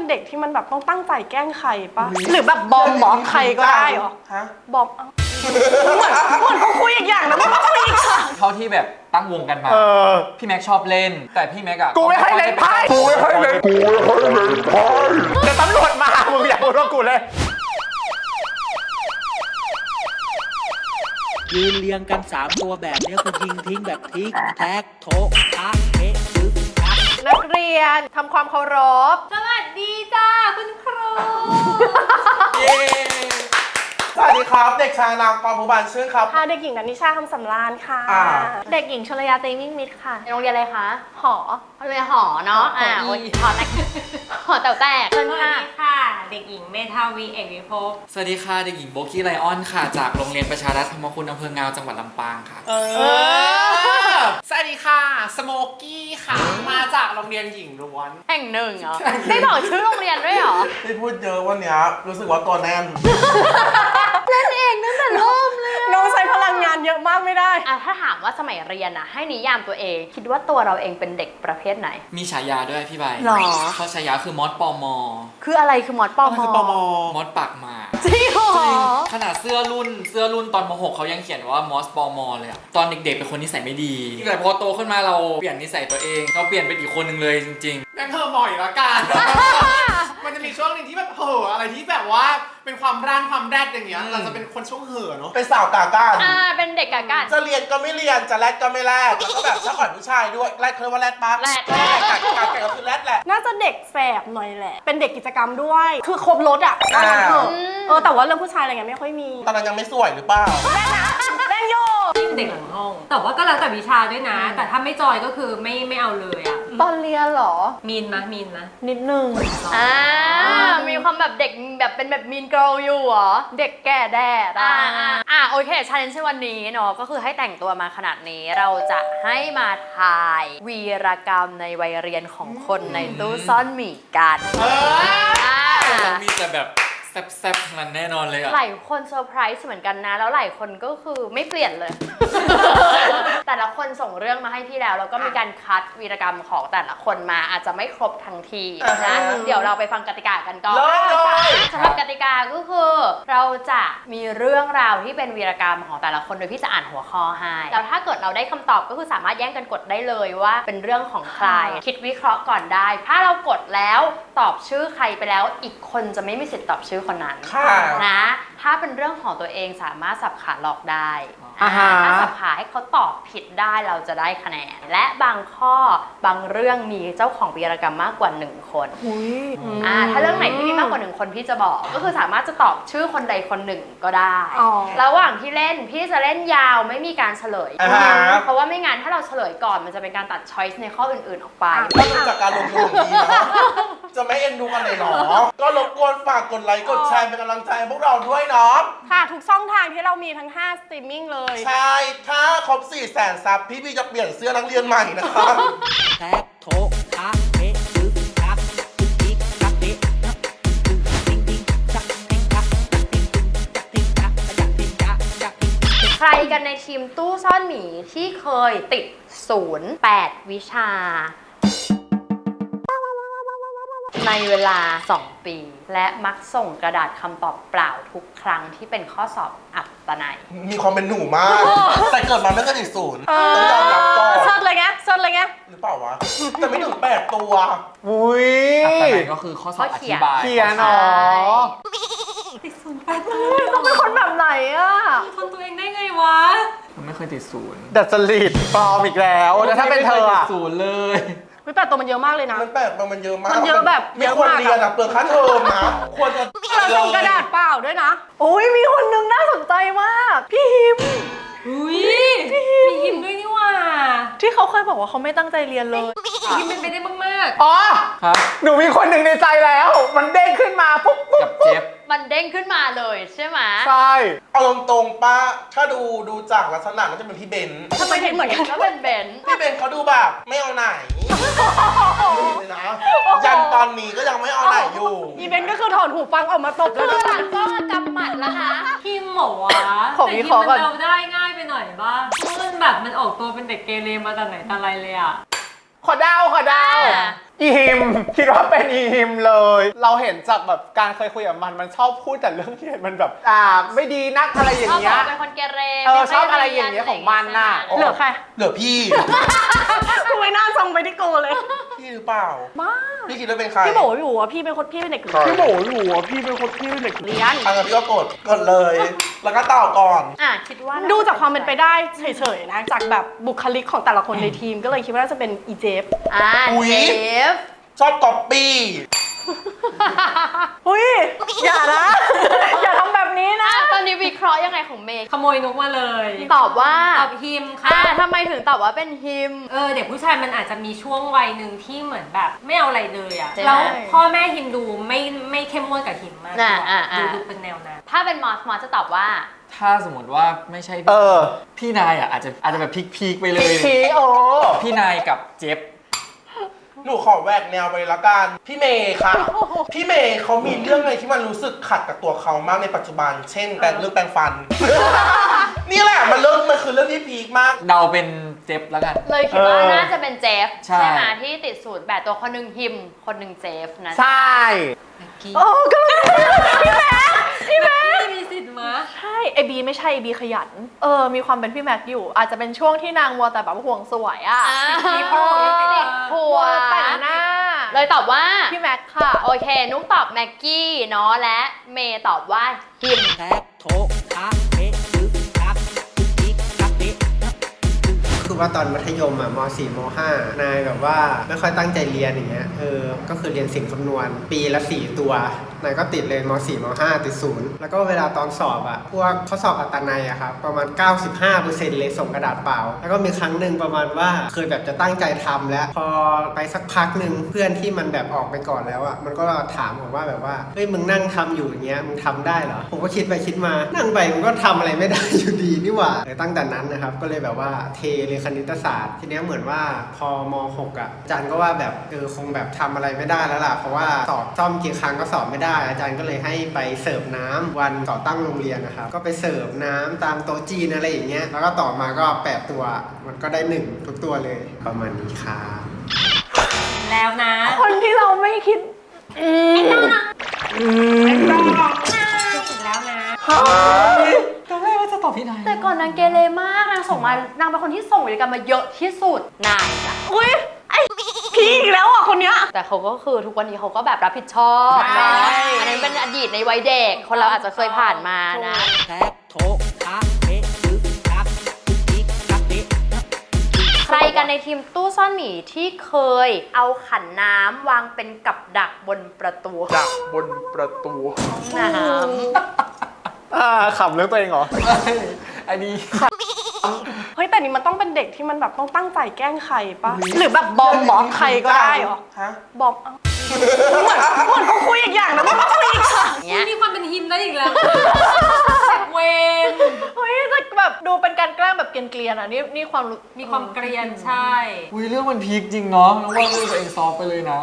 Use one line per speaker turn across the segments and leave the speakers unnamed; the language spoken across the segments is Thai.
เด็กที่มันแบบต้องตั้งใจแกล้งใครปะหรือแบบบอมบอกใครก็ได้เหรอบอมเหมือนเขาคุยอีกอย่างนะไม่มาคุยอีกค่ะ
เท่าที่แบบตั้งวงกันมาพี่แม็กชอบเล่นแต่พี่แม็กอะ
กูไม่ให้เล่นไพ่แต่ตำรวจมามึงอยากพูดว่ากูเล่น
ยืนเรียงกัน3ตัวแบบนี้คือยิงทิ้งแบบทิกแท็กโถทักเทซึกทัก
นักเรียนทำความเคารพสวัสดีจ้าคุณครู
สวัสดีครับเด็กชายนางปอภูบาลชื่นครับ
ค่ะเด็กหญิงนันนิชาคำสำราญค่ะ
เด็กหญิงชลยาเตมิ่งมิตรค่ะโรงเรียนอะไรคะ
หอ
โรงเรียนหอเนาะหอแตกหอแต๋วแตก
สวัสดีค่ะเด็กหญิงเมธาวีเอกวิภพ
สวัสดีค่ะเด็กหญิงโบกี้ไลออนค่ะจากโรงเรียนประชารัฐธรรมคุณอำเภองาวจังหวัดลำปางค่ะ
สวัสดีค่ะสโมกี้ค่ะมาจากโรงเรียนหญิงล้วน
แห่งหนึ่งเหรอไม่บอกชื่อโรงเรียนด้วยเหรอ
ที่พูดเยอะวันนี้รู้สึกว่าตัวแน่น
เล่นเองตั้งแต่เริ่มเลย
น้องใช้พลังงานเยอะมากไม่ได้
ถ้าถามว่าสมัยเรียนนะให้นิยามตัวเองคิดว่าตัวเราเองเป็นเด็กประเภทไหน
มีฉายาด้วยพี่ใบ
หรอ
เขาฉายาคือมอสปอมอ
คืออะไรคือมอสปอมอ
มอสปากมา
จริงเหรอ
ขนาดเสื้อรุ่นตอนม.6เขายังเขียนว่ามอสปอมอเลยอะตอนเด็กๆเป็นคนนิสัยไม่ดีแต่พอโตขึ้นมาเราเปลี่ยนนิสัยตัวเองเราเปลี่ยนเป็นอีกคนหนึ่งเลยจริง
ๆแม่งเธอหม่อยละกันมันจะมีช่วงหนึ่งที่แบบอะไรที่แบบว่าเป็นความร่างความแรดอย่างเงี้ยเราจะเป็นคนช่วงเห่อเนาะ
เป็นสาวกาก้าน
เป็นเด็กกาก้าน
จะเรียนก็ไม่เรียนจะแรดก็ไม่แรดแล้วก็แบบชอบอ่อยผู้ชายด้วยแรดเขาเรียกว่าแรดปะ
แรด
กาก็คือแรดแหละ
น่าจะเด็กแสบหน่อยแหละเป็นเด็กกิจกรรมด้วยคือครบรถอ่ะแต่ว่าเรื่องผู้ชายอะไรเงี้ยไม่ค่อยมี
ตอนนั้นยังไม่สวยหรือเปล่า
แรงโย
เด็กหลังห้องแต่ว่าก็แล้วแต่วิชาด้วยนะแต่ถ้าไม่จอยก็คือไม่เอาเลยอะ
ตอนเรียนหรอ
มีนนะ
นิดนึง
มีความแบบเด็กแบบเป็นแบบมีนเกิร์ลอยู่เหรอเด็กแก่แด่โอเคชาเลนจ์วันนี้เนาะก็คือให้แต่งตัวมาขนาดนี้เราจะให้มาทายวีรกรรมในวัยเรียนของคนในตู้ซ่อนหมีกัน
เรามีแต่แบบแซ่บๆทั้งนั้นแน่นอนเลยอะ
หลายคนเซอร์ไพรส์เหมือนกันนะแล้วหลายคนก็คือไม่เปลี่ยนเลย แต่ละคนส่งเรื่องมาให้พี่แล้วก็มีการคัดวีรกรรมของแต่ละคนมาอาจจะไม่ครบทั้งทีนะเดี๋ยวเราไปฟังกติกากันก่อนสำหรับกติกาก็คือเราจะมีเรื่องราวที่เป็นวีรกรรมของแต่ละคนโดยพี่จะอ่านหัวข้อให้แล้วถ้าเกิดเราได้คำตอบก็คือสามารถแย่งกันกดได้เลยว่าเป็นเรื่องของใครคิดวิเคราะห์ก่อนได้ถ้าเรากดแล้วตอบชื่อใครไปแล้วอีกคนจะไม่มีสิทธิ์ตอบชื่อคนนั้นนะถ้าเป็นเรื่องของตัวเองสามารถสับขาหลอกได้ถ้าสับขาให้เขาตอบผิดได้เราจะได้คะแนนและบางข้อบางเรื่องมีเจ้าของวีรกรรมมากกว่า1คนถ้าเรื่องไหนที่มีมากกว่า1คนพี่จะบอกก็คือสามารถจะตอบชื่อคนใดคนหนึ่งก็ได้ระหว่างที่เล่นพี่จะเล่นยาวไม่มีการเฉลยเพราะว่าไม่งั้นถ้าเราเฉลยก่อนมันจะเป็นการตัดช้อยส์ในข้ออื่นๆออกไป
ก็ดูจากการลงทุนของดีนะจะไม่เอ็นดูกันเลยหรอก็รบกวนฝากกดไลค์กดแชร์เป็นกำลังใจให้พวกเราด้วยเนาะ
ค่ะทุกช่องทางที่เรามีทั้ง5สตรีมมิ่งเลย
ใช่ถ้าครบ 400,000 ซับพี่จะเปลี่ยนเสื้อนักเรียนใหม่นะครับ
แท็กโถทักเทซึกทักทิกทักเทติ้งติ้งทักเท่งทักติ้งทักจักติ้งจัก
ใครกันในทีมตู้ซ่อนหมีที่เคยติด08วิชาในเวลา2 ปีและมักส่งกระดาษคำตอบเปล่าทุกครั้งที่เป็นข้อสอบอัตนัย
มีความเป็นหนูมากแต่เกิดมาไม่เคยติด0ต้องยอมรับก่อน
เซิร์ชเลยไง
หรือเปล่าวะแต่ไม่ถึง8 ตัว
อุ้ย
อัตนัยก็คือข้อสอบอธิบาย
เขียนหรอ
ติด08ตัว
ต้องเป็นคนแบบไหนอ่ะ
ทนตัวเองได้ไงวะ
มันไม่เคยติด
ดัดจริตปลอมอีกแล้วแล้วถ้าเป็นเธอ
อะ0เลย
8 ตัวมันเยอะมากเลยนะ
มัน8 ตัวมันเยอะมาก
มันเยอะแบบ
ไม่ควรเรียนอะเปลืองค่าเทอมนะควรจะ
ส่งกระดาษเปล่าด้วยนะโอ้ยมีคนนึงน่าสนใจมากพี่ฮิม
มีฮิมด้วยนี่ว่า
ที่เขาเคยบอกว่าเขาไม่ตั้งใจเรียนเลย
ฮิมเป็นไปได้มาก
อ๋อหนูมีคนหนึ่งในใจแล้วมันเด้งขึ้นมาปุ๊บ
กับเจ็บ
มันเด้งขึ้นมาเลยใช่ไหม
ใช่
เอาตรงๆป้าถ้าดูจากลักษณะก็จะเป็นพี่เบน
ทำไมเห็นเหมือนกัน
ก็เป็นเบน
พี่เบนเขาดูแบบไม่เอาไหนเลยนะยันตอนนี้ก็ยังไม่เอาไหนอยู่
อีเบนก็คือถอดหูฟังออกมาตบเลย
หลังก็กำหมัดแล้วนะ
ฮิมหมอวะ
ของวิเคราะห์ก่อน
เราได้ง่ายไปหน่อยบ้างมันแบบมันออกตัวเป็นเด็กเกเรมาแต่ไหนแต่ไรเลยอะ
ขอดาวอีฮิมคิดว่าเป็นอีฮิมเลย เราเห็นจากแบบการเคยคุยกับมันชอบพูดแต่เรื่องที่มันแบบไม่ดีนักอะไรอย่างเงี้ย
เป็นคนเกเร
ชอบอะไรอย่างเงี้ยของมันน่ะ
เหลือใคร
เหลือพี่
กูไม่น่าส่งไปที่โกเลย
พี่หรือเปล่า
บ้า
พี่คิดว่าเป็นใคร
พี่บอกว่าพี่เป็นคนพี่เป็นเด็ก
พี่
พี่โบอยู่อ่ะพี่เป็นเด็ก
เรียน
อันนั้นพี่ก็กดเลย แล้วก็ต่อก่อน
คิดว่า
ดูจากความเป็นไปได้เฉยๆนะ จากแบบบุคลิกของแต่ละคนในทีมก็เลยคิดว่าน่าจะเป็นอีเจฟ
อุ๊ย
เจฟ
ชอบก๊อปปี้
อุ้ยอย่านะ อย่าทำแบบนี้นะ
ตอนนี้วิเคราะห์ยังไงของเมย์
ขโมยนุกมาเลย
ตอบว่า
ตอบฮิมค่ะ
ทำไมถึงตอบว่าเป็นฮิม
เด็กผู้ชายมันอาจจะมีช่วงวัยหนึ่งที่เหมือนแบบไม่เอาอะไรเลยอ่ะ
ใช่ไหม
แล้วพ่อแม่ฮิมดูไม่เข้มงวดกับฮิมมาก ดูเป็นแนวนั้น
ถ้าเป็นมอสจะตอบว่า
ถ้าสมมติว่าไม่ใช่พี่นายอ่ะอาจจะแบบพีคไปเลย พี่นายกับเจฟ
หนูขอแหวกแนวไปเลยละกัน พี่เมย์ค่ะ พี่เมย์เขามีเรื่องอะไรที่มันรู้สึกขัดกับตัวเขามากในปัจจุบัน เช่นเรื่องแปรงฟัน นี่แหละมันคือเรื่องที่พีคมาก
เดาเป็นเจฟแล้วกัน
เลยคิดว่าน่าจะเป็นเจฟ
ใช่
ใช่ไหมที่ติดสูตรแบบตัวคนหนึ่งฮิม คนหนึ่งเจฟนะ
ใช่
โอ้ก็เลยพี่แม็ก
มีสิทธิ์มา
ใช่ไอบีไม่ใช่ไอบีขยัน มีความเป็นพี่แม็กอยู่ อาจจะเป็นช่วงที่นางมัวแต่แบบห่วงสวยอ่ะ
มีพ่อติดผัว
แต่งหน้า
เลยตอบว่า
พี่แม็กค่ะ
โอเค นุ๊กตอบแม็กกี้เนาะและเมย์ตอบว่าฮิม
แท็กโถคะเป๊ะตึกตักตึกติ๊กตักเป๊ะ
คือว่าตอนมัธยมอ่ะม .4 ม .5 นายแบบว่าไม่ค่อยตั้งใจเรียนอย่างเงี้ยก็คือเรียนสิ่งคำนวณปีละ4ตัวนายก็ติดเลยม .4 ม .5 ติด0แล้วก็เวลาตอนสอบอ่ะพวกข้อสอบอัตนัยอะครับประมาณ 95% เลยส่งกระดาษเปล่าแล้วก็มีครั้งหนึ่งประมาณว่าเคยแบบจะตั้งใจทำแล้วพอไปสักพักหนึ่งเพื่อนที่มันแบบออกไปก่อนแล้วอ่ะมันก็ถามผมว่าแบบว่าเฮ้ยมึงนั่งทำอยู่อย่างเงี้ยมึงทำได้เหรอผมก็คิดไปคิดมานั่งไปมันก็ทำอะไรไม่ได้อยู่ดีนี่หว่าตั้งแต่นั้นนะครับก็เลยแบบว่าเทเลยคณิตศาสตร์ทีเนี้ยเหมือนว่าพอม .6 อ่ะอาจารย์ก็ว่าแบบคงแบบทำอะไรไม่ได้แล้วล่ะเพราะว่าสอบซ่อมกี่ครั้งก็สอบไม่ได้อาจารย์ก็เลยให้ไปเสิร์ฟน้ำวันต่อตั้งโรงเรียนนะครับก็ไปเสิร์ฟน้ำตามโต๊ะจีนอะไรอย่างเงี้ยแล้วก็ต่อมาก็8ตัวมันก็ได้1ทุกตัวเลยประมาณนี้ครับ
แล้วนะ
คนที่เราไม่คิด
อีกแล้วนะ
ตอนแรกว่าจะตอบพี่นาย
แต่ก่อนนางเกเรมากนางส่งมานางเป็นคนที่ส่งวิรกรรมมาเยอะที่สุดนางจ้ะ
อุ้ยไอพี่อีกแล้วอ่ะคนเนี้ย
แต่เขาก็คือทุกวันนี้เขาก็แบบรับผิดชอบ
ใช่
เนาะอันนั้นเป็นอดีตในวัยเด็กคนเราอาจจะเคยผ่านมานะ
แท็กโถคะเป๊ะตึกตักตึกติ๊กตักเป๊ะ
ใครกันในทีมตู้ซ่อนหมีที่เคยเอาขันน้ำวางเป็นกับดักบนประตู
ดักบนประตู
น้
ขำเรื่องตัวเองเหรอ
อันนี้
เฮ้ยแต่นี่มันต้องเป็นเด็กที่มันแบบต้องตั้งใจแกล้งใครปะหรือแบบบอมใครก็ได้เหรอ
ฮะ
บอมเหมือนเขาคุยอีกอย่างนะมันก็คุยอีกค่ะ
ำเนี้ย
มีความเป็นฮิมได้อีกแล้วเวน
เฮ้ยแต่แบบดูเป็นการแกล้งแบบเกรียนๆอ่ะนี่ความรู้
มีความเกรียนใช่
อุ้ยเรื่องมันพีคจริงเนาะน้องว่าเรื่องตัวเองซอฟต์ไปเลยนะ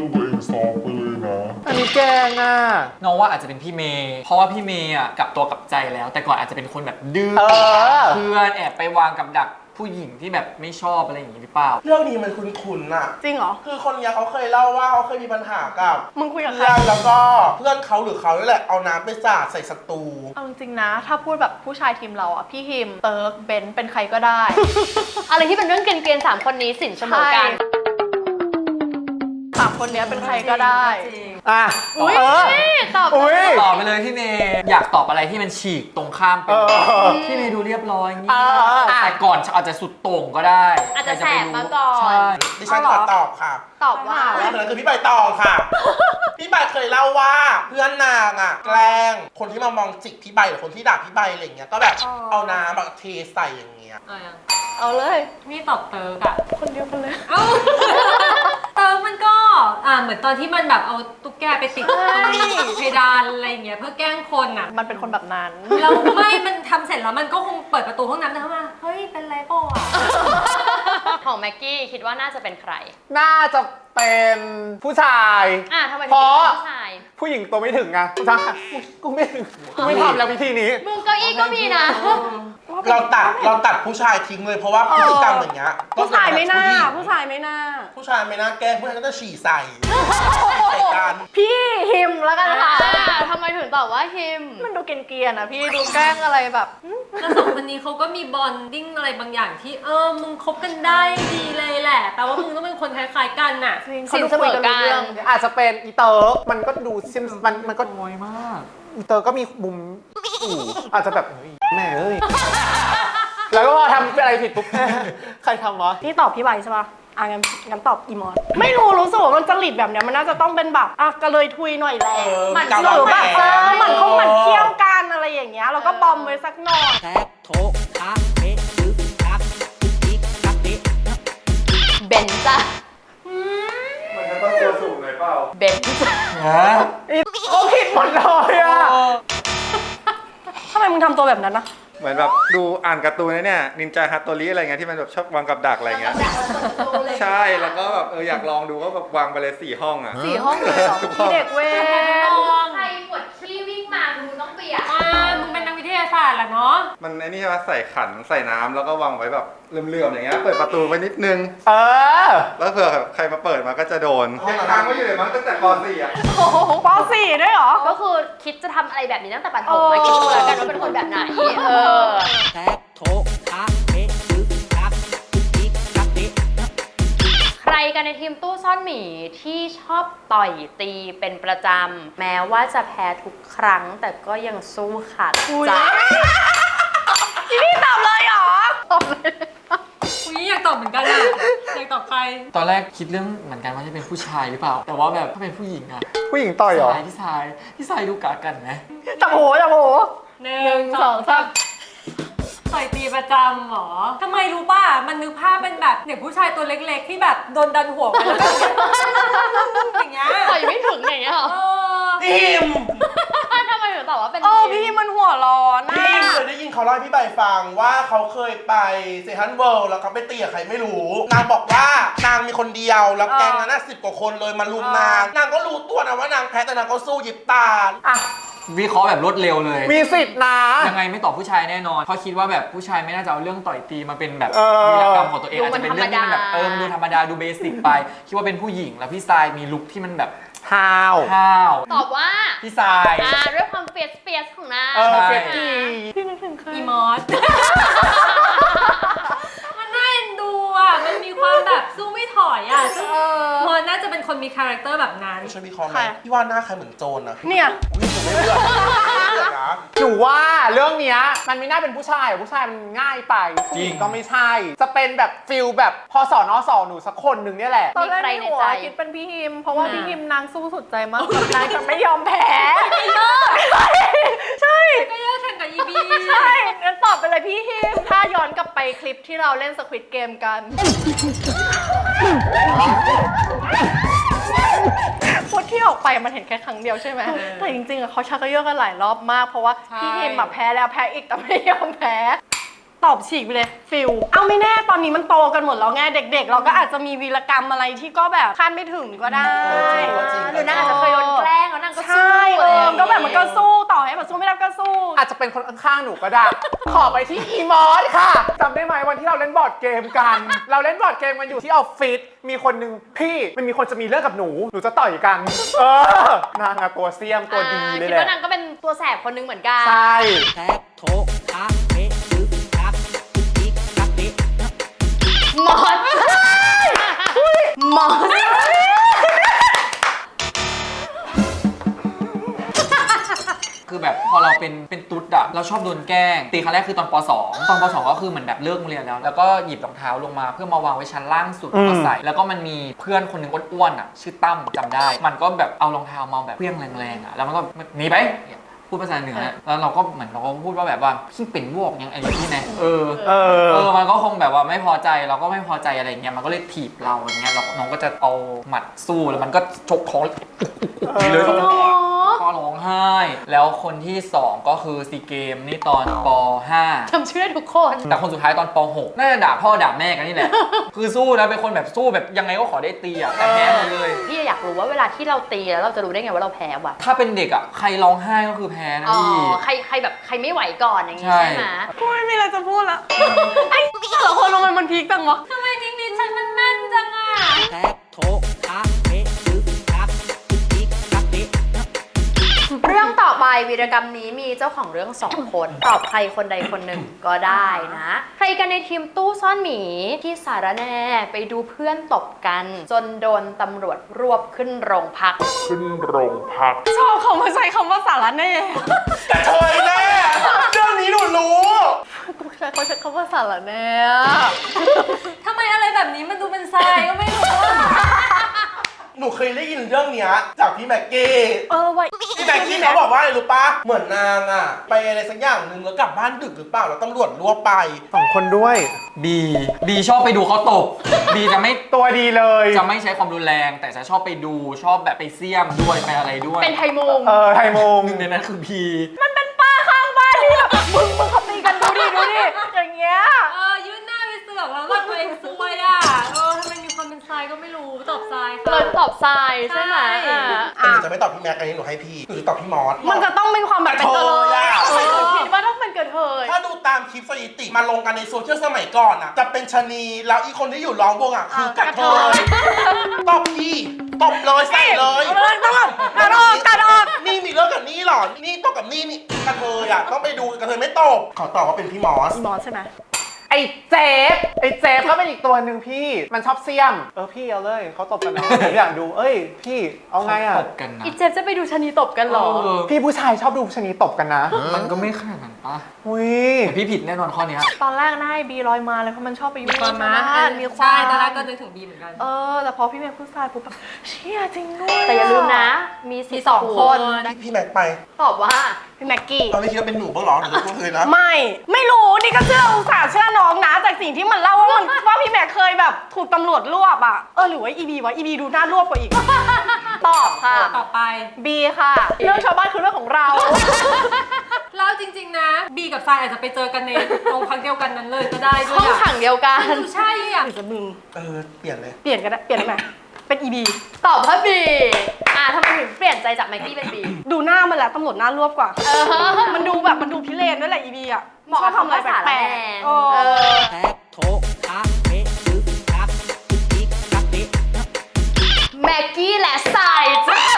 อันนี้แกงอ่ะ
น้องว่าอาจจะเป็นพี่เมย์เพราะว่าพี่เมย์อ่ะกลับตัวกลับใจแล้ว แต่ก่อนอาจจะเป็นคนแบบดื้อเพื่อนแอบไปวางกับดักผู้หญิงที่แบบไม่ชอบอะไรอย่างนี้หรือเปล่า
เรื่องนี้มันคุ้นๆน่ะ
จริงเหรอ
คือคนเนี้ยเขาเคยเล่าว่าเขาเคยมีปัญหากับ
มึงคุยกับใคร
เพื่อนแล้วก็เพื่อนเขาหรือเขานี่แหละเอาน้ำไปสาดใส่ศัตรู
เอาจริงๆนะ ถ้าพูดแบบผู้ชายทีมเราอ่ะพี่ฮิมเติร์กเบนซ์เป็นใครก็ได้
อะไรที่เป็นเรื่องเกรียนๆ3 คนนี้สินเสมอกัน
สามคนเนี้ยเป็นใครก็ได้
อ่ะ
อุ๊ย
ตอบ
อุ้ย
ตอบไปเลยพี่เมย์อยากตอบอะไรที่มันฉีกตรงข้ามไปเลยพี่เมย์ดูเรียบร้อยเงียบแต่ก่อนอาจจะสุดโต่งก็ได้
อาจจะแสบมาก่อน
ใช่
ดิฉันขอตอบค่ะ
ตอบว่า
ผู้หญิงคนนั้นคือพี่ใบตองค่ะ พี่ใบเคยเล่าว่าเพื่อนนางอ่ะแกล้งคนที่มามองจิกพี่ใบหรือคนที่ด่าพี่ใบอะไรอย่างเงี้ยก็แบบเอาน้ำแบบเทใส่อย่างเงี้ย
เอาเลย
นี่ตอบเติร์กอะ
คนเดียวกันเลย
เอ้าเติร์กมันก็เหมือนตอนที่มันแบบเอาตุ๊กแกไปติดตรงเพดานอะไรอย่างเงี้ยเพื่อแกล้งคนอะ
มันเป็นคนแบบนั้น
แล้วไม่มันทำเสร็จแล้วมันก็คงเปิดประตูห้องน้ำแล้วเข้ามาเฮ้ยเป็นไรเปล่าอะ
ของแม็กกี้คิดว่าน่าจะเป็นใคร
น่าจะเป็นผู้ชาย
ทำไมถึง
เพราะ
เป็นผู้ชาย
ผู้หญิงตัวไม่ถึงไงผู้ชายกูไม่ถึงกูไม่ทำแล้ววิธีนี้
มึงเก้าอี้ก็มีนะ
โอ้
เราตัดผู้ชายทิ้งเลยเพราะว่าพฤติกรรมอย่างเงี้ย
ผู้ชายไม่น่า
ผู้
ผู้
ชาย
ชายไม่น่า
ผู้ชายไม่น่าแกล้งผู้ชายก็จะฉี่ใส่ใส่กัน
พี่ฮิมแล้วกันค่ะ
ทำไมถึงตอบว่าฮิม
มันดูเกรียนๆนะพี่ดูแกล้งอะไรแบบหึ
แล้วสองคนนี้เขาก็มีบอนดิ้งอะไรบางอย่างที่มึงคบกันได้ดีเลยแหละแปลว่ามึงต้องเป็นคนคล้ายๆกันน่ะ
สินเสมอกัน
อาจจะเป็นอีเตอร์มันก็ดูซิมมันก็
น้อยมาก
อีเตอร์ก็มีมุมอาจจะแบบเฮ้ยแม่เอ้ยแล้วก็ทำอะไรผิดปุ๊บใครทำวะ
พี่ตอบพี่ใบใช่ปะงั้นตอบอีมอนไม่รู้สึกว่ามันจริตแบบเนี้ยมันน่าจะต้องเป็นแบบกระเลยทุยหน่อยแหละ
มัน
หรือแบบมันเคี่ยวกันอะไรอย่างเงี้ยแล้วก็บอมไว้สักหน่อย
แท็กโถคะเอ๊ะตึกทักตึกทิกทักเอ๊ะ
เบนจ้ะ
มันจะต้องตัวสูงเลยเปล่า
เบนจ้ะ
ก็ผิดหมดเลยอ่ะ
ทำไมมึงทำตัวแบบนั้นนะ
เหมือนแบบดูอ่านการ์ตูนนะเนี่ยนินจาฮัตโตริอะไรเงี้ยที่มันแบบชอบวางกับดักอะไรเงี้ยใช่แล้วก็แบบอยากลองดูก็แบบวางไปเลย4 ห้องอ่ะ
4 ห้องเลยเหรอ
ทุกห้อง
พี่เด็กเวร
ใครปวดขี้วิ่งมามึงต้องเปียก
มึงเป็นนักวิทยาศาสตร์แหละเนาะ
มันไอ้นี่ใช่ไหมใส่ขันใส่น้ำแล้วก็วางไว้แบบเลื่อมๆอย่างเงี้ยเปิดประตูไว้นิดนึง แล้วเผื่อใครมาเปิดมาก็จะโดนยังค้างไว้อยู่เลยมั้งตั้งแต่ป .4 อ่ะ
ป .4 ด้วยเหรอ
ก็คือคิดจะทำอะไรแบบนี้ตั้งแต่ปันผมมาคิดดูแล้วกันว่าเป็นคนแบบไหน
แท็กโถคะเอ๊ะตึกทักตึกทิกทักเอ๊ะ
ใครกันในทีมตู้ซ่อนหมีที่ชอบต่อยตีเป็นประจำแม้ว่าจะแพ้ทุกครั้งแต่ก็ยังสู้ขาดใจ
พี่ตอบเลยเหรอ
ตอบเลย
กูอยากตอบเหมือนกันอะอยากตอบใคร
ตอนแรกคิดเรื่องเหมือนกันว่าจะเป็นผู้ชายหรือเปล่า แต่ว่าแบบถ้าเป็นผู้หญิงอะ
ผู้หญิงต่อยเหรอ
พี่ชายดูกากันไหม
จับหู
1 2 3ต่อยตีประจำเหรอทำไมรู้ป่ะ มันนึกภาพเป็นแบบเด็กผู้ชายตัวเล็กๆ ที่แบบโดนดันหัวไปแล้วอย่างเงี้ย
ต่อยไม่ถึงอย่างเงี้ยเหรอ
ทีม
ทำไมถึงตอบว่าเป็น
พี่มันหัวร้อนนะ
พี่เคยได้ยินเขาเล่าให้พี่ใบฟังว่าเขาเคยไปเซฮันเวิลด์แล้วเขาไปตีกับใครไม่รู้ นางบอกว่านางมีคนเดียวแล้วแก๊งนั้นน่ะ10 กว่าคนเลยมาลุมนางก็รู้ตัวนะว่านางแพ้แต่นางก็สู้หยิบตา
วิเคราะห์แบบรวดเร็วเลย
มีสิทธิ์นะ
ยังไงไม่ตอบผู้ชายแน่นอน เพราะคิดว่าแบบผู้ชายไม่น่าจะเอาเรื่องต่อยตีมาเป็นแบบ
เออ
วีรกรรมของตัวเองอาจจะเป็นเรื่องที่มันแบบมันดูธรรมดาดูเบสิกไป คิดว่าเป็นผู้หญิงแล้วพี่ทรายมีลุคที่มันแบบ
ฮาว
ห้าว
ตอบว่า
พี่ทราย
ด้วยความเฟียสของนาง
เออ
ใช่
เฟกกี้
พี่นึกถึงใคร
อีมอส มันน่าเอ็นดูอ่ะ มันมีความแบบสู้ไม่ถอยอ่ะซึ่งมอสน่าจะเป็นคนมีคาแรคเตอร์แบบนั้น
ช่วยวิเคราะห์ไหมพี่ว่าหน้าใครเหมือนโจรนะ
เนี่ย
อุ๊ยผมไม่เลือกนะ
หนูว่าเรื่องเนี้ยมันไม่น่าเป็นผู้ชายผู้ชายมันง่ายไปผู้หญิงก็ไม่ใช่ จะเป็นแบบฟิลแบบพอสอนอสอหนูสักคนหนึ่งเนี่ยแหละ
ตอนแรกในหัวคิดเป็นพี่ฮิม เพราะว่าพี่ฮิมนางสู้สุดใจมากกับนางจะไม่ยอมแพ้ใช่
ก็เยอะแข่งกับอีบี
ใช่งั้นตอบไปเลยพี่ฮิม ถ้าย้อนกลับไปคลิปที่เราเล่นสควิดเกมกัน พูดที่ออกไปมันเห็นแค่ครั้งเดียวใช่ไหม แต่จริงๆอะเขาชักกระเยาะกันหลายรอบมาก เพราะว่าพี่ฮิมอะแพ้แล้วแพ้อีกแต่ไม่ยอมแพ้ ตอบฉีกไปเลยฟิลเอาไม่แน่ตอนนี้มันโตกันหมดแล้วไงเด็กๆ เราก็อาจจะมีวีรกรรมอะไรที่ก็แบบคาดไม่ถึงก็ได้
หรือนางอาจจะเคยโดนแกล้งแล้วนางก็สู้
ใช่
อะไรอย่างเงี้ย
ก็แบบมันก็สู้ต่อให้แบบสู้ไม่ได้ก็สู้
อาจจะเป็นคนข้างๆหนูก็ได้ ขอไปที่อีมอสค่ะจำได้ไหมวันที่เราเล่นบอร์ดเกมกัน เราเล่นบอร์ดเกมกันอยู่ที่ออฟฟิศมีคนหนึ่งพี่มันมีคนจะมีเรื่องกับหนูจะต่อยกัน นางอะตัวเสียมตัวดีเลย
คิด
แหละ
ว่านางก็เป็นตัวแสบคนนึงเหมือนกัน
ใช่
แท็กโถคะเอ๊ะตึกทักตึกทิกทักเอ๊ะ
มอสมอส
คือแบบพอเราเป็นตุ๊ดอะเราชอบโดนแกล้งตีครั้งแรกคือตอนป .2 ตอนป .2 ก็คือเหมือนแบบเลิกโรงเรียนแล้วก็หยิบรองเท้าลงมาเพื่อมาวางไว้ชั้นล่างสุดแล้วก็ใส่แล้วก็มันมีเพื่อนคนหนึ่งอ้วนๆอะชื่อตั้มจำได้ มันก็แบบเอารองเท้ามาแบบเพี้ยงแรงๆอะแล้วมันก็หนีไปพูดภาษาเหนือแล้วเราก็เหมือนเราก็พูดว่าแบบว่าพี่เป็นวอกยังไอ้นี่นะมันก็คงแบบว่าไม่พอใจเราก็ไม่พอใจอะไรเงี้ยมันก็เลยถีบเราอย่างเงี้ยน้องก็จะเอาหมัดสู้แล้วมันก็ชกคอเลยก็ร้องไห้ไห้ แล้วคนที่ 2 ก็คือซีเกมนี่ตอนป .5
จำชื่อทุกคน
แต่คนสุดท้ายตอนป .6 น่าจะด่าพ่อด่าแม่กันนี่แหละ คือสู้นะเป็นคนแบบสู้แบบยังไงก็ขอได้ตีอ่ะแต่แพ้หมดเลย
พี่อยากรู้ว่าเวลาที่เราตีแล้วเราจะรู้ได้ไงว่าเราแพ้วะ
ถ้าเป็นเด็กอ่ะใครร้องไห้ก็คือแพ้นะ
อ๋อ
พี่
ใครแบบใครไม่ไหวก่อนอย่างงี้
ใช่
ใช่ไหม
กูไม่มีอะไรจะพูดละ ไอ้แต่ละคนมันพีคจังวะ
ทำไมนิดๆฉันมันแม่นจังอ่ะ
แท็กโถทักเทตึกทักตึกทิกทักเท
เรื่องต่อไปวีรกรรมนี้มีเจ้าของเรื่อง 2 คนตอบใครคนใดคนหนึ่งก็ได้นะ ใครกันในทีมตู้ซ่อนหมีที่สารแน่ไปดูเพื่อนตบกัน จนโดนตำรวจรวบขึ้นโรงพัก
ชอบเขามาใช้คำว่าสาระแน่
แต่เธอแน่เรื่องนี้หนูรู้
กูใช้เขาใช้คำว่าสาระแน่
ทำไมอะไรแบบนี้มันดูเป็นทรายก็ไม่รู้อ่ะ
หนูเคยได้ยินเรื่องเนี้ยจากพี่แม็กกี้
ไว้
พี่แม็กกี้เขาบอกว่าอะไรรู้ปะเหมือนนางอะไปอะไรสักอย่างหนึ่งแล้วกลับบ้านดึกหรือเปล่าแล้วตำรวจรวบไป
2 คนด้วย
บีชอบไปดูเขาตบบีจะไม่
ตัวดีเลย
จะไม่ใช้ความรุนแรง แต่จะชอบไปดูชอบแบบไปเสี่ยมด้วยไปอะไรด้วย
เป็นไทยมง
ไทยมง
หนึ่งในนั้นคือบี
มันเป็นป้าข้างบ้านที่แบบมึงเขาตีกันดูดิอย่างเงี้ย
ยื่นหน้าไปเสือกแล้วว่าตัวเองซวยอ่ะทำไมมีความเป็นทรายก็ไม่รู้ตอบทรายค่ะ
เลยตอบทรายใช่ไหม
ใช่
แต่หนูจะไม่ตอบพี่แม็กอันนี้หนูให้พี่หนูจะตอบพี่มอส
มันจะต้องเป็นความแบบเป็นกระเทย
กระเทยอะ
ทำไมถึงคิดว่าต้องเป็นกระเทย
ถ้าดูตามคลิปสถิติมาลงกันในโซเชียลสมัยก่อนอะจะเป็นชะนีแล้วอีกคนที่อยู่ร้องวงอะคือกระเทยตบพี่ตบเลยใส่เลย
กัดออก
นี่มีเรื่องกับนี่หรอ นี่ตบกับนี่กระเทยอะต้องไปดูกระเทยไม่ตบขอตอบว่าเป็นพี่มอส
บอสใช่ไหม
ไอ้เจฟก็เป็นอีกตัวหนึ่งพี่ มันชอบเสี่ยม พี่เอาเลยเขาตบกันนะผมอยากดู พี่เอาไงอ่ะ
ตบกันนะ
อีเจฟจะไปดูชะนีตบกันเหรอ
พี่ผู้ชายชอบดูชะนีตบกันนะ
มันก็ไม่ขนาดนั้นปะ
อุ้ย
แต่พี่ผิดแน่นอนข้อเนี้ย
ตอนแรกน่าให้บีลอยมาเลยเพราะมันชอบไปยุ่ง
มีความม้า
มีความ
ใช่ตอนแรกก็นึกถึงบีเหมือนกัน
แต่พอพี่เมย์พูดทรายปุ๊บแบบเชี่ยจริงด้วย
แต่อย่าลืมนะ มีสองคน
พี่แม็กไป
ตอบว่า
พี่แม็กกี้
เอาไม่คิดว่าเป็นหนูบ้างเหรอหนูจะพูดเลยนะ
ไม่รู้นี่ก็เชื่ออุตส่าห์เชื่อน้องนะจากสิ่งที่มันเล่าว่าพี่แม็กเคยแบบถูกตำรวจรวบอ่ะหรือว่าอีบีดูน่ารวบกว่าอีก ตอบค่ะ
ต่อไป
บีค่ะ เรื่องชาวบ้านคือเรื่องของเรา
แล้วจริงๆนะบีกับทรายอาจจะไปเจอกันในโรงพักเดียวกันนั้นเลยก็ได้ด้ว
ห้
ย
องขังเดียวกัน
ดูใช่อ่ะ
หรือจะมึง
เปลี่ยนเลย
เปลี่ยนกันได้เปลี่ยนได้ไหมเป็นอีบี
ตอบว่าบีทำไมถึงเปลี่ยนใจจากไมกี้เป็นบี
ดูหน้ามันแหละตำรวจหน้ารวบกว่า มันดูแบบมันดูพิเรนด้วยแหละอีบีอ่ะ
เหมาะ
ชอบทำอะไรแปลกๆ
แท็กโถทักเทตึกทักตึกทิกทักเท
แม็กกี้และทรายจ้ะ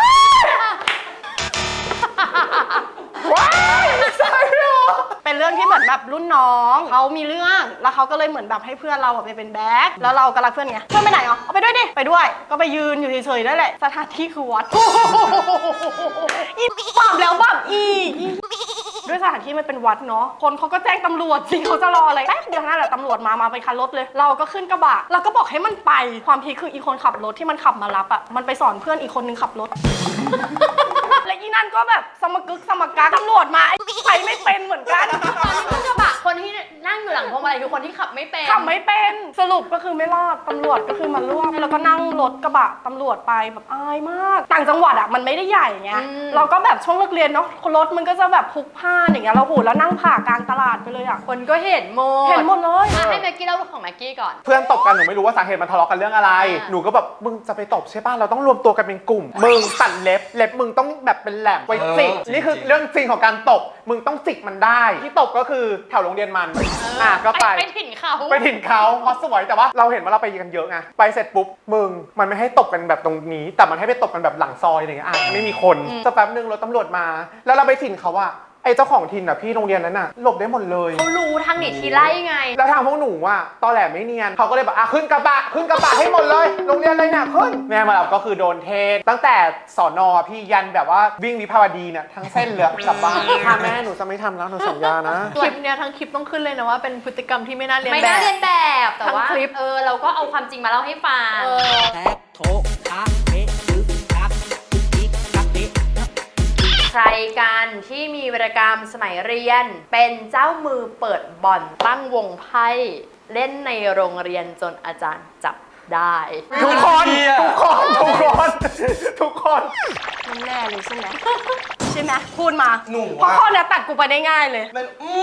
เป็นเรื่องที่เหมือนแบบรุ่นน้องเขามีเรื่องแล้วเขาก็เลยเหมือนแบบให้เพื่อนเราไปเป็นแบ็คแล้วเราก็รักเพื่อนไงเพื่อนไปไหนอ๋อเอาไปด้วยดิไปด้วยก็ไปยืนอยู่เฉยๆนั่นแหละสถานที่คือวัด อีปรับแล้วปรับอีกด้วยสถานที่มันเป็นวัดเนาะคนเขาก็แจ้งตำรวจสิเขาจะรออะไรแป๊บเดียวนั่นแหละตำรวจมาเป็นคันรถเลย เราก็ขึ้นกระบะเราก็บอกให้มันไปความพีคคืออีคนขับรถที่มันขับมารับอ่ะมันไปสอนเพื่อนอีกคนนึงขับรถ และอีนั่นก็แบบสมกึกสมกักตำรวจมาไอ้ไปไม่เป็นเหมือนกัน
ตอนนี้ขึ้นกระบะคนที่นั่งอยู่หลังพวงมาลัยคือคนที่ขับไม่เป็น
ขับไม่เป็นสรุปก็คือไม่รอดตำรวจก็คือมารวบแล้วก็นั่งรถกระบะตำรวจไปแบบอายมาก ต่างจังหวัดอ่ะมันไม่ได้ใหญ่ไงเราก็แบบช่วงเลิกเรียนเนาะรถมันก็จะแบบพลุกพล่านอย่างเงี้ยเราโหแล้วนั่งผ่ากลางตลาดไปเลยอ่ะ
คนก็เห็นหมด
เห็นหมดเลย
ให้แม็กกี้เล่าของแม็กกี้ก่อน
เพื่อนตบกันหนูไม่รู้ว่าสาเหตุมันทะเลาะกันเรื่องอะไร
อ่า
หนูก็แบบมึงจะไปตบใช่ป่ะเราต้องรวมตัวกันเป็นกลุ่ม มึงตัดเล็บมึงต้องแบบเป็นแหลมไว้จิกนี่คือเรื่องจริงของการตบมึงต้องจิกมันได้ที่ตบก็คือแถวโรงเรียนมันก็ไป
ไปถิ่นเขา
ไปถิ่นเขาเพราะสวยแต่ว่าเราเห็นว่าเราไปกันเยอะไงไปเสร็จปุ๊บมึงมันไม่ให้ตบกันแบบตรงนี้ แต่มันให้ไปตบกันแบบหลังซอยอะไรเงี้ยไม่มีคนสักแป๊บนึงรถตำรวจมา แล้วเราไปถิ่นเขาอะไอ้เจ้าของถิ่นอะพี่โรงเรียนนั้นอะหลบได้หมดเลย
เขารู้ทางหนีทีไล่ไง
แล้วทางพวกหนูอะตอแหลไม่เนียนเขาก็เลยแบบขึ้นกระบะให้หมดเลยโรงเรียนเลยเนี่ยขึ้นแม่มาแบบก็คือโดนเทศตั้งแต่สอนอพี่ยันแบบว่าวิ่งวิภาวดีเนี่ยทั้งเส้นเลยกลับบ้านค่ะแม่หนูจะไม่ทำแล้วหนูสัญญานะ
คลิปเนี้ยทั้งคลิปต้องขึ้นเลยนะว่าเป็นพฤติกรรมที่ไม่น่าเรียน
ไม่
แบ
น่า
บ
เรียนแบบแต่ว่า
ทั้งคลิป
เราก็เอาความจริงมาเล่าให้ฟัง
แท็กโถทักเทตึกทักตึกทิกทักเท
ใครกันที่มีวีรกรรมสมัยเรียน เป็นเจ้ามือเปิดบ่อนตั้งวงไพ่เล่นในโรงเรียนจนอาจารย์จับได้
ทุกคน
แน่เลยใช่ไหมใช่ไหมพูดมา
หนู
เพราะ
อะ
ข้อเนี้ยตัดกูไปได้ง่ายเลย
มัน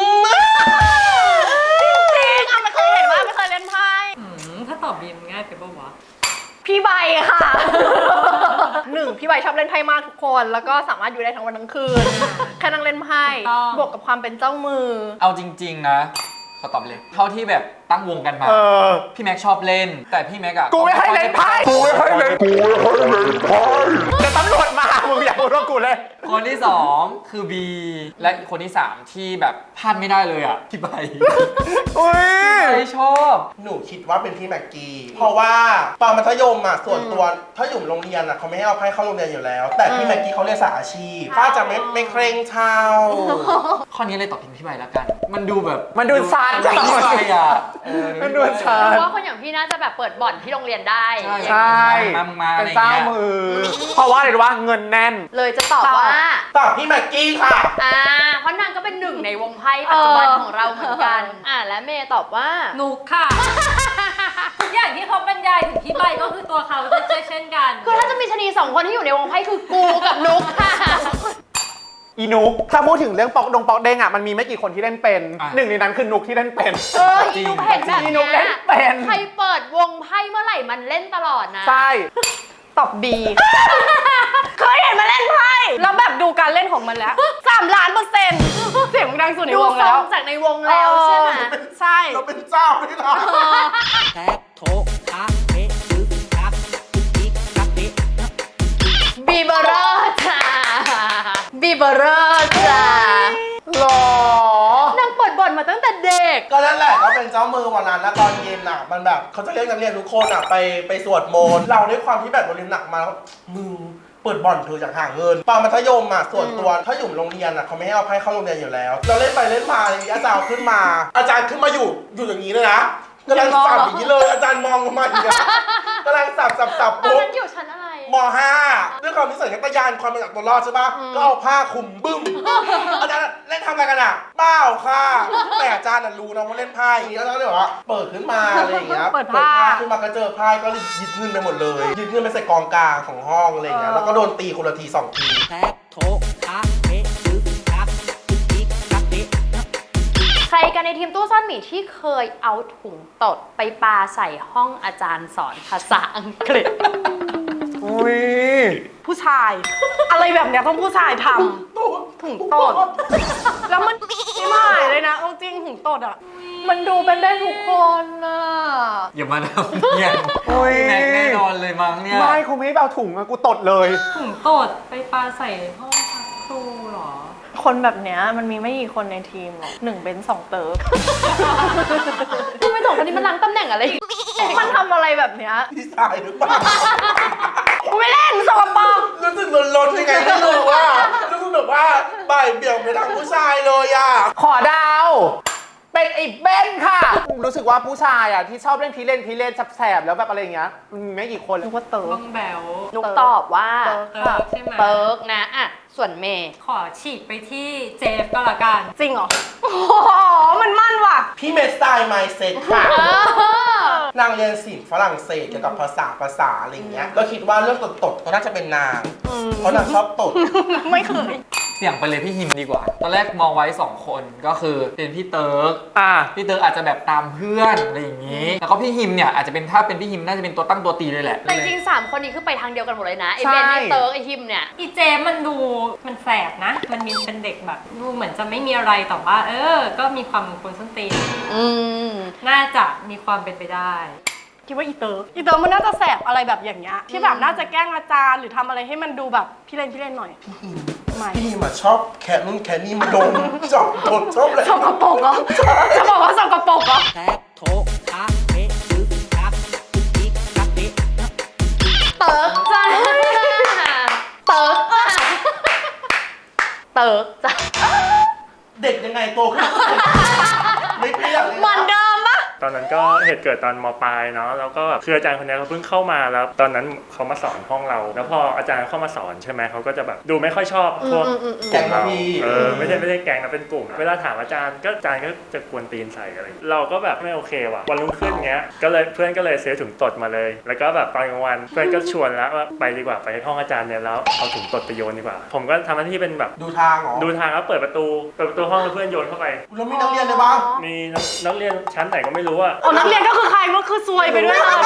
จริงๆไม่เคยเห็นว่าไม่เคยเล่นไพ่
ถ้าตอบบีมง่ายไปปะวะ
พี่ใบค่ะ 1พี่ใบชอบเล่นไพ่มากทุกคน แล้วก็สามารถอยู่ได้ทั้งวันทั้งคืน แค่นั่งเล่นไพ่
ถูกต้อง
บวกกับความเป็นเจ้ามือ
เอาจริง ๆ นะขอตอบเลย เท่าที่แบบตั้งวงกันมา พี่แม็กชอบเล่น แต่พี่แม็กอะ
กูไม่ให้เล่นไพ่แต่ตำรวจมา มึงอย่าพูดว่ากูเล่น
คนที่ 2 คือบีและคนที่ 3 ที่แบบพลาดไม่ได้เลยอะพี่ใบ
อุ้ย
ไม่ชอบ
หนูคิดว่าเป็นพี่แม็กกี้ เพราะว่าตอนมัธยมอ่ะส่วนตัวถ้าอยู่โรงเรียนอ่ะเขาไม่ให้เอาไพ่เข้าโรงเรียนอยู่แล้ว แต่พี่แม็กกี้เขาเรียนสายอาชีพก็จะไม่เคร่งเช่า
ข้อนี้เลยตอบเป็นพี่ใบแล้วกัน มันดูแบบ
มันดูชัด
พี่ใบอะ
มันดูชัด
เพราะว่าคนอย่างพี่น่าจะแบบเปิดบ่อนที่โรงเรียนได้
ใช่
มาอะ
เป็
ไร
น
อย่าง
เจ้า
เงี้ย
มือ เพราะว่าอะไรรู้ว่าเงินแน่น
เลยจะตอบว่า
ตอบพี่แม็กกี้ค่ะ
เพราะนางก็เป็นหนึ่งในวงไพ่ปัจจุบันของเราเหมือนกัน และเมย์ตอบว่า
นุกค่ะ ทุกอย่างที่เขาบรรยายถึงพี่ใบก็คือตัวเขาเช่นกัน
คือถ้าจะมีชะนี2 คนที่อยู่ในวงไพ่คือกูกับนุกค่ะ
อีนุก ถ้าพูดถึงเรื่องปอกเด้งอ่ะ มันมีไม่กี่คนที่เล่นเป็น หนึ่งในนั้นคือนุกที่เล่นเป็น
อีนุกเห็นแบบ
อีนุกเล่
เนี้
น
ย
เป็น
ใครเปิดวงไพ่เมื่อไหร่มันเล่นตลอดนะ
ใช่
ตอบ B เคยเห็นมาเล่นไพ่แล้วแบบดูการเล่นของมันแล้ว3,000,000%เสียงมันดังสุดใน
ดู
วง
ทร
แล้ว
งจากในวงแล้วใช่ไหม
ใช่
เราเป็นเจ้าด้วยนะ
แท็กโถอาเอะตึกตักตึกติ๊กตักเป๊ะ
บีเบอร์จ้าบีเบอร์จ้า
หรอ
นางเปิดบ่อนมาตั้งแต่เด็ก
ก็นั่นแหละก็เป็นเจ้ามือวันนั้นแล้วตอนเย็นอ่ะมันแบบเขาจะเรียกนักเรียนทุกคนอ่ะไปสวดมนต์เราด้วยความที่แบบเราเรียนหนักมาแล้วมึงเปิดบ่อนเธออยากหาเงินตอนมัธยมอ่ะส่วนตัวถ้าอยู่โรงเรียนอ่ะเขาไม่ให้เอาไพ่เข้าโรงเรียนอยู่แล้ว เราเล่นไปเล่นมาอย่างนี้อาจารย์ขึ้นมา อาจารย์ขึ้นมาอยู่อย่างนี้เลยนะกำลังสับอย่างนี้เลยอาจารย์มองลงมาอย่างเงี้ยกำลังสับ
ตอน
ปุ๊บ
นั้นอยู่ชั้นอะไร
ม.5 ด้วยความที่สัญชาตญาณความเป็นจากตัวรอดใช่ปะก็เอาผ้าคลุมบึ้ม อาจารย์เล่นทำอะไรกันอ่ะเปล่าค่ะ แต่อาจารย์น่ะรู้นะว่าเล่นไพ่แล้วก็เลยบอกว่าเปิดขึ้นมาอะไรอย่างเงี้ย
เปิดผ้า
ขึ้นมาก็เจอไพ่ก็เลยยึดเงินไปหมดเลยยึดเงินไปใส่กองกลางของห้องอะไรอย่างเงี้ยแล้วก็โดนตีคนละที2 ที
แท็กโถอาเอะตึกตักตึกติ๊กตักเป๊ะ
ใครกันในทีมตู้ซ่อนหมีที่เคยเอาถุงตดไปปาใส่ห้องอาจารย์สอนภาษาอังกฤษ
อุ้ย
ผู้ชาย อะไรแบบเนี้ยต้องผู้ชายทำถุงตด แล้วมันไม่หายเลยนะเอาจริงถุงตดอ่ะ มันดูเป็นได้ทุกคนอ่ะ
อย่ามาทำเนี่ย
โอ้ย
พี่แม็กแน่นอนเลยมั้งเนี่ย
ไม่คงไม่เอาถุงอะกูตดเลย
ถุงตดไปปาใส่ห้องพักครูเหรอ
คนแบบเนี้ยมันมีไม่กี่คนในทีมหรอก1เป็น2 เติร์ก
ทำไมสองคนนี้มันล้างตำแหน่งอะไร
มันทำอะไรแบบเนี้ย
พี่ชายหรือเปล่า
กูไม่เล่นสกปรก
รู้สึกลนๆยังไงไม่รู้ว่ารู้สึกแบบว่าบ่ายเบี่ยงไปทางผู้ชายเลยอ่ะ
ขอดาว เป็นไอ้เบนค่ะ รู้สึกว่าผู้ชายอ่ะที่ชอบเล่นพีเล่นแสบๆแล้วแบบอะไรอย่างเงี้ยมันมีไม่กี่คนเลย
นึกว่าเติร์
บ้
ก
องแบว
นุกตอบว่า
เติร์ก
ใช่ไหม
เติร์กนะอ่ะส่วนเมย์
ขอฉีกไปที่เจฟก็แล้วกัน
จริงเหรอ โอ้โห มันมั่นว่ะ
พี่เมสไตล์ไมเซ็ตค่ะ นางเรียนศิลป์ฝรั่งเศสเกี่ยวกับภาษาอะไรอย่างเงี้ย ก็คิดว่าเรื่องตดๆก็น่าจะเป็นนาง เพราะนางชอบตด
ไม่เคย
เสี่ยงไปเลยพี่ฮิมดีกว่า ตอนแรกมองไว้ 2 คนก็คือเป็นพี่เติร์ก
อ่ะ
พี่เติร์กอาจจะแบบตามเพื่อนอะไรอย่างนี้ แล้วก็พี่ฮิมเนี่ยอาจจะเป็นถ้าเป็นพี่ฮิมน่าจะเป็นตัวตั้งตัวตีเลยแหละ
แต่จริงๆ3 คนนี้คือไปทางเดียวกันหมดเลยนะ ไอ
ใช่
เบนไอเติร์กไอฮิมเนี่ย
อีเจฟมันดูมันแสบนะ มันมีเป็นเด็กแบบดูเหมือนจะไม่มีอะไรแต่ว่าก็มีความคนส้นตีน
อืม
น่าจะมีความเป็นไปได้
คิดว่าอีเติร์กมันน่าจะแสบอะไรแบบอย่างเงี้ย ที่แบบน่าจะแกล้งอาจารย์หรือทำอะไรให้มันดูแบบพี่เล่นหน่อย ไม่
พี่มาชอบแค่นู่นแค่นี่มาดมชอบตดชอบอะไร
สกปรกเหรอจะบอกว่าสกปรกเหรอ
แท็กโถอาเอะตึกตักตึกติ๊กตักเป๊ะ
เติร์กจ้าเติร์กจ้าเติร์กจ้า
เด็กยังไงโตขึ้นไม่เปรี้ยวเลย
เหมือนเดิมปะ
ต
อนนั้นก็เหตุเกิดตอนม.ปลายเนาะแล้วก็คืออาจารย์คนนี้เขาเพิ่งเข้ามาแล้วตอนนั้นเขามาสอนห้องเราแล้วพออาจารย์เข้ามาสอนใช่ไหมเขาก็จะแบบดูไม่ค่อยชอบพวก
แก๊งเราพี่
ไม่ได้แก๊งนะเป็นกลุ่มเวลาถามอาจารย์ก็จะกวนตีนใส่อะไรเราก็แบบไม่โอเคว่ะวันรุ่งขึ้นเงี้ยก็เลยเพื่อนก็เลยซื้อถุงตดมาเลยแล้วก็แบบตอนกลางวันเพื่อนก็ชวนแล้วว่าไปดีกว่าไปห้องอาจารย์เนี่ยแล้วเอาถุงตดไปโยนดีกว่าผมก็ทำหน้าที่เป็นแบบ
ดูทางเหรอ
ดูทางแล้วเปิดประตูห้องแล้วเพื่อนโยนเข้าไป
แล้วมีนักเรียนเลยปะ
มีนักเรียนชั้นไหนก็ไม่รู้อะ
นักเรียนก็คือใครก็คือซวยไปด้วยเลย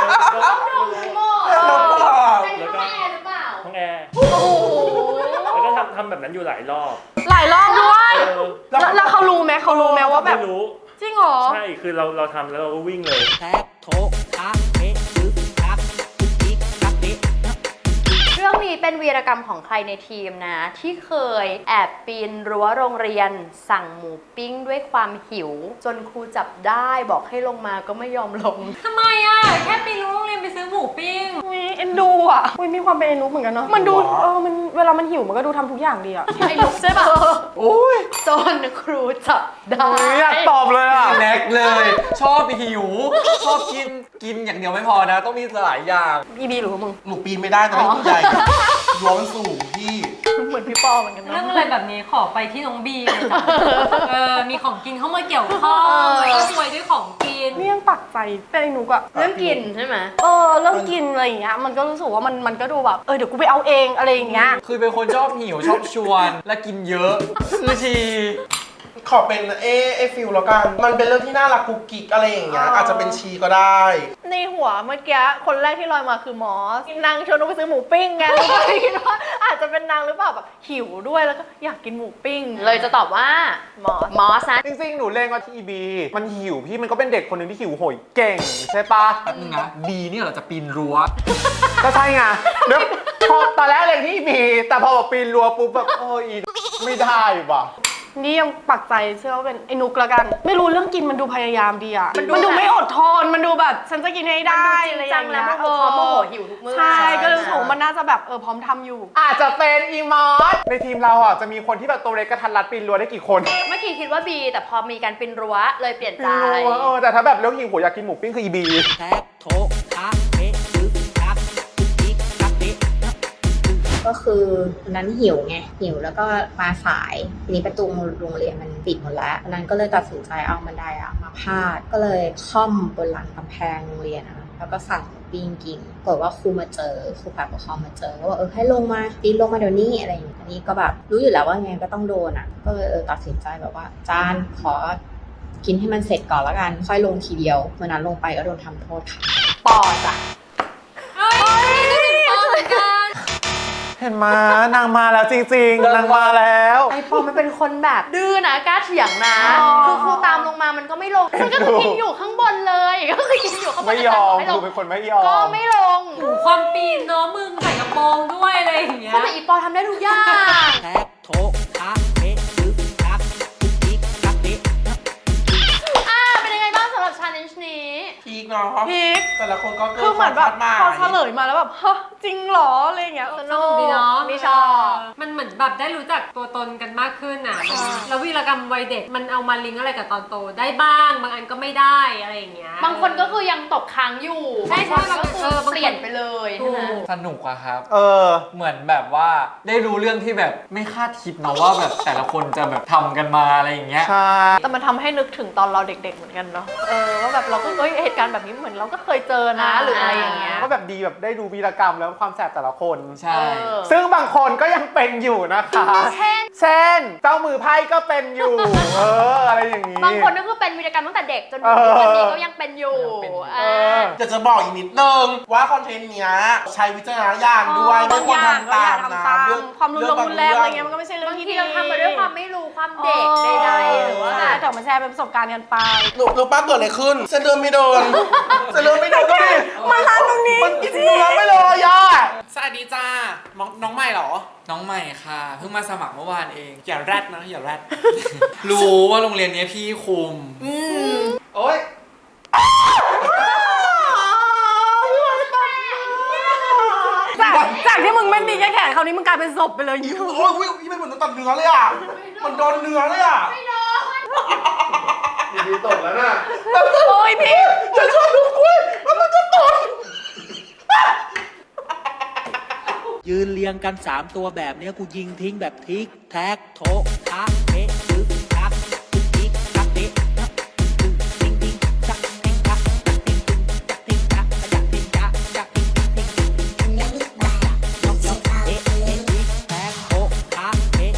แล้วก็ห้องแอร์แล้วก็ทำแบบนั้นอยู่หลายรอบ
หลายรอบด้วยแล้วเขารู้ไหมว่าแบบ
ไม่รู้
จริงเหรอ
ใช่คือเราทำแล้วเราก็วิ่งเลย
แท็กโถทักเทตึกทักตึกทิกทักเท
เรื่องนี้เป็นวีรกรรมของใครในทีมนะ ที่เคยแอบปีนรั้วโรงเรียนสั่งหมูปิ้งด้วยความหิว จนครูจับได้บอกให้ลงมาก็ไม่ยอมลง
ทำไมอ่ะแค่ไปรู้โรงเรียนไปซื้อหมูปิ้ง
อุ๊ยเอ็นดูอ่ะอุ๊ยมีความเป็นเอ็นดูเหมือนกันเนาะมันดูมันเวลามันหิวมันก็ดูทำทุกอย่างดีอ่ะ
ไอ้ลูกใช่ปะ
โอ้ย
จนครูจับได้
อยากตอบเลยอ่ะ
แน็กเลย ชอบหิว ชอบกินอย่างเดียวไม่พอนะ ต้องมีหลายอย่าง
อีบีหรือว่ามึง
หนูปีนไม่ได้แต่ไม่ผู้ใหญ่รั้วมันสูงพี่
เหมือนพี่ปอเหมือนกัน
เรื่อง
เนาะ
อะไรแบบนี้ขอไปที่น้องบีเลยจ้ะมีของกินเข้ามาเกี่ยวข้องแล้วก็ซวยด้วยของกิน
นี่ยังปักใจเป็นไอ้หนูอะ
เรื่องกินใช่ไหม
เรื่องกินอะไรอย่างเงี้ยมันก็รู้สึกว่ามันก็ดูแบบเดี๋ยวกูไปเอาเองอะไรอย่างเงี้ย
คือเป็นคนชอบหิวชอบชวนและกินเยอะคือชี
ขอเป็นฟิลแล้วกัน มันเป็นเรื่องที่น่ารักกุ๊กกิ๊กอะไรอย่างเงี้ย อาจจะเป็นชีก็ได้
ในหัวเมื่อกี้คนแรกที่ลอยมาคือมอสนางชวนหนูไปซื้อหมูปิ้งไงแล้วก็เลยคิดว่าอาจจะเป็นนางหรือเปล่าแบบหิวด้วยแล้วก็อยากกินหมูปิ้ง
เลยจะตอบว่าม อสนะ
จริงๆ หนูเล่นว่าที่อีบีมันหิวพี่มันก็เป็นเด็กคนหนึ่งที่หิวโหยเก่งใช่ปะ
แป๊บนึงนะดีเนี่ยเหราจะปีนรั้ว
ก็ใช่ไงเดี๋ยวพอตอนแรกเล่นที่อีบีแต่พอแบบปีนรั้วปุ๊บแบบอีไม่ได้ว่ะ
นี่ยังปักใจเชื่อว่าเป็นไอ้นุกละกัน ไม่รู้เรื่องกินมันดูพยายามดีอะมันดูไม่อดทนมันดูแบบฉันจะกินให้ได้อะไรอย่างเงี้ย
มันดูจริงจังและโมโหหิวทุกมื้อ
ใช่ก็เลยรู้สึกว่ามันน่าจะแบบพร้อมทำอยู่
อาจจะเป็นอีมอสในทีมเราอ่ะจะมีคนที่แบบตัวเล็กกระทันรัดปีนรั้วได้กี่คน
เมื่อกี้คิดว่าบีแต่พอมีการปีนรั้วเลยเปลี่ยน
ปี
ใจ
นรั้วแต่ถ้าแบบเรื่องหิวโหยอยากกินหมูปิ้งคืออีบี
แท็กโถทักเทตึกทักตึกทิกทักเท
ก็คือวันนั้นหิวไงหิวแล้วก็มาสายทีนี้ประตูโรงเรียนมันปิดหมดแล้ววันนั้นก็เลยตัดสินใจเอาบันไดมาพาดก็เลยค่อมบนหลังกำแพงโรงเรียนแล้วก็สั่งปิ้งกินปรากฏว่าครูมาเจอครูฝ่ายปกครองมาเจอก็บอกให้ลงมาปีนลงมาเดี๋ยวนี้อะไรอย่างนี้อันนี้ก็แบบรู้อยู่แล้วว่าไงก็ต้องโดนก็เลยตัดสินใจแบบว่าจานขอกินให้มันเสร็จก่อนแล้วกันค่อยลงทีเดียววันนั้นลงไปก็โดนทำโทษค่ะ
ปอจ้ะ
เห็นมานางมาแล้วจริงๆนางมาแล้ว
ไอปอมันเป็นคนแบบดื้อนะกล้าเถียงนะคือครูตามลงมามันก็ไม่ลงมันก็คือกินอยู่ข้างบนเลยก็คือกินอยู่ข้างบน
ไม่ยอม
ให้ล
ดู
ง
เป็นคนไม่ยอม
ก็ไม่ลง
ความปีนเนาะมึงใส่กระโปรงด้วยอะไรอย่างเงี้ย
ทำไมอีปอทำได้ทุกอย่าง
แท็กโถทักเทตึกทักตึกทิกทักเท
เป็นยังไงบ้างสำหรับ challenge นี้
พีกเนาะ
พีค
แต่ละคนก็เกิ
คือเหมือนแบบ
มา
พอเฉลยมาแล้วแบบฮะจริงเหรออะไรอย่างเงี้ย
สนุกดีเนาะ
นี่ชอบ
มันเหมือนแบบได้รู้จักตัวตนกันมากขึ้นแล้ววีรกรรมวัยเด็กมันเอามาลิงก์อะไรกับตอนโตได้บ้างบางอันก็ไม่ได้อะไรอย่างเงี้ย
บางคนก็คือยังตกค้างอยู่
ใช่ใช่
บางคนก็คือ
างคน
เปลี่ยนไปเลยใช่ไหม
สนุกอะครับ
เออ
เหมือนแบบว่าได้รู้เรื่องที่แบบไม่คาดคิดเนาะว่าแบบแต่ละคนจะแบบทำกันมาอะไรอย่างเงี้ย
ใช่
แต่มันทำให้นึกถึงตอนเราเด็กๆเหมือนกันเนาะว่าแบบเราก็เหตุการณ์แบบนี้เหมือนเราก็เคยเจอนะหรืออะไรอย่างเงี้ย
ก็แบบดีแบบได้ดูวีรกรรมแล้วความแสบแต่ละคน
ใช่
ซึ่งบางคนก็ยังเป็นอยู่นะคะ เช่น เจ้ามือไพ่ก็เป็นอยู่ อะไรอย่างนี้
บางคนก็คือเป็นวีรกรรมตั้งแต่เด็กจนถึงทุกวันนี้ก็ยังเป็นอยู่
อยากจะบอกอีกนิดนึงว่าคอนเทนต์เนี้ยใช้วิจารณญาณด้วยไม่ควรทำตามนะ
ความรุนแรงอะไรเงี้ยมันก็ไม่ใช่เรื่อบ
าง ง
ที่
ที
ดี
เราทำมาด้วยความไม่รู้ความเด็กใดๆหรือว่า
ใช่แต่มาแชร์เป็นประสบการณ์กันไป
รู้ป้าเกิดอะไรขึ้นเส้นเลือดไม่โดนเส้นเลือดไม่โดนก็ดิ
มันร้านตรงนี้
มันกินเนื้อไม่เลยอ่ะ
สวัสดีจ้า น้องใหม่เหรอ
น้องใหม่ค่ะเพิ่งมาสมัครเมื่อวานเอง
อย่าแรดนะ อย่าแรด
รู้ว่าโรงเรียนนี้พี่คุม
โอ๊ย
จากที่มึงไม่มีแค่แขนคราวนี้มึงกลายเป็นศพไปเลย
โอ้ยไม่เหมือนตัดเนื้อเลยอ่ะมันโดนเนื้อเลยอ่ะ
ดีตกแล้วน่ะ
โอ้ยพี่
ยืนเรียงกัน 3 ตัวแบบเนี้ยกูยิงทิ้งแบบทิกแท็กโถะทะเทะจึก